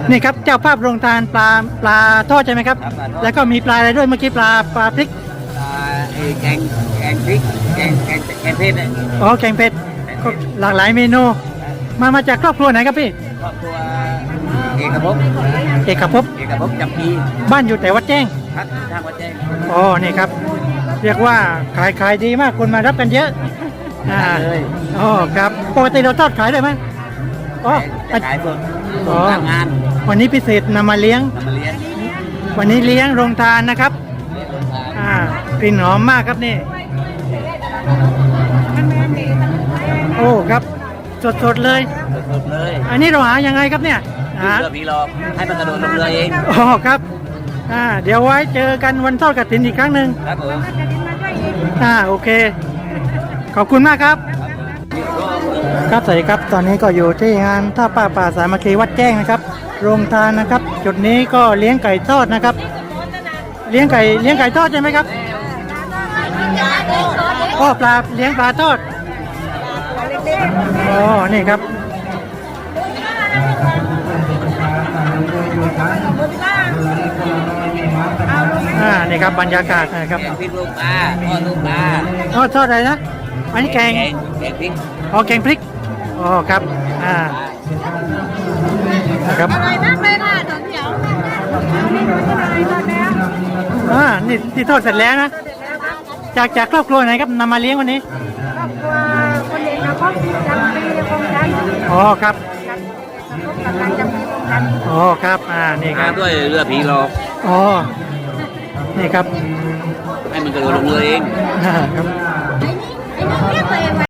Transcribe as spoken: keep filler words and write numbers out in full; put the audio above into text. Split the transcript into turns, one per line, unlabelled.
นี่ครับเจ้าภาพโรงทานปลาปลาทอดใช่ไหมครับ
ครับปลาทอด
แล้วก็มีปลาอะไรด้วยเมื่อกี้ปลาปลาพริก
อ่าไอ้แกงแกงพริกแกงแกงแกงเผ็ดเนี่ย
อ๋อแกงเผ็ดก็หลากหลายเมนู มามาจากครอบครัวไหนครับพี่
ครอบครัวเอกภพ
เอกภพ
เอกภพจำปี
บ้านอยู่แต่วัดแจ้ง
ครับทางวัดแจ้ง
อ๋อนี่ครับ เรียกว่าขายขายดีมากคนมารับกันเยอะอ่า
เลย
อ๋อครับปกติเราทอดขายได้ไหมอ๋อ
จะขายสด
อ๋อ
ตามงาน
วันนี้พิเศษนำมาเลี้ยง
นำมาเลี้ยง
วันนี้เลี้ยงโรงทานนะครับ
เลี้ยงโรงทาน
อ่ากลิ่นหอมมากครับนี่ โอ้ครับ สดๆเลย
สดๆเลย
อันนี้เราหายังไงครับเนี่ย
เรื
หา
อผีหลอกให้มันกระโดดลงเรือเอง
อ๋อครับอ่าเดี๋ยวไว้เจอกันวันทอดกฐินอีกครั้งหนึ่ง
ครับผม
อ่าโอเค ขอบคุณมากครับ ครับสวัสดีครับตอนนี้ก็อยู่ที่งานท่าป่าป่าสามัคคีวัดแจ้งนะครับ โรงทานนะครับ จุดนี้ก็เลี้ยงไก่ทอดนะครับ เลี้ยงไก่เลี้ยงไก่ทอดใช่ไหมครับก็ปลาเลี้ยงปลาทอดอ๋อนี่ครับอ่านี่ครับบรรยากาศนะครับ
แกงพริกลูกปลาทอดลูกปลา
อ๋อทอดอะไรนะอันนี้แกง
แกงแกงพริก
อ๋อแกงพริกอ๋อครับอ่านะครับ
อร่อยมากเลยค่ะถั่วเขียวนี่ดูจะอร่อยมากแล้ว
อ่านี่ที่ทอดเสร็จแล้วนะ จากจากครอบครัวไหนครับนำมาเลี้ยงวันนี้
ครอบครัวคนเอกนะครอบจำปีคงจันทร์
อ๋อครับ
กับกำลังจำปีคงจันทร์
อ๋อครับอ่านี่ค
มา
รับ
ด้วยเรือผีหลอก
อ๋อนี่ครับ
ให้มันกระโดดลงเรือเอง
อ่าครับ
ไอ้นี่ไอ้นี่เรียกตัวเองว่า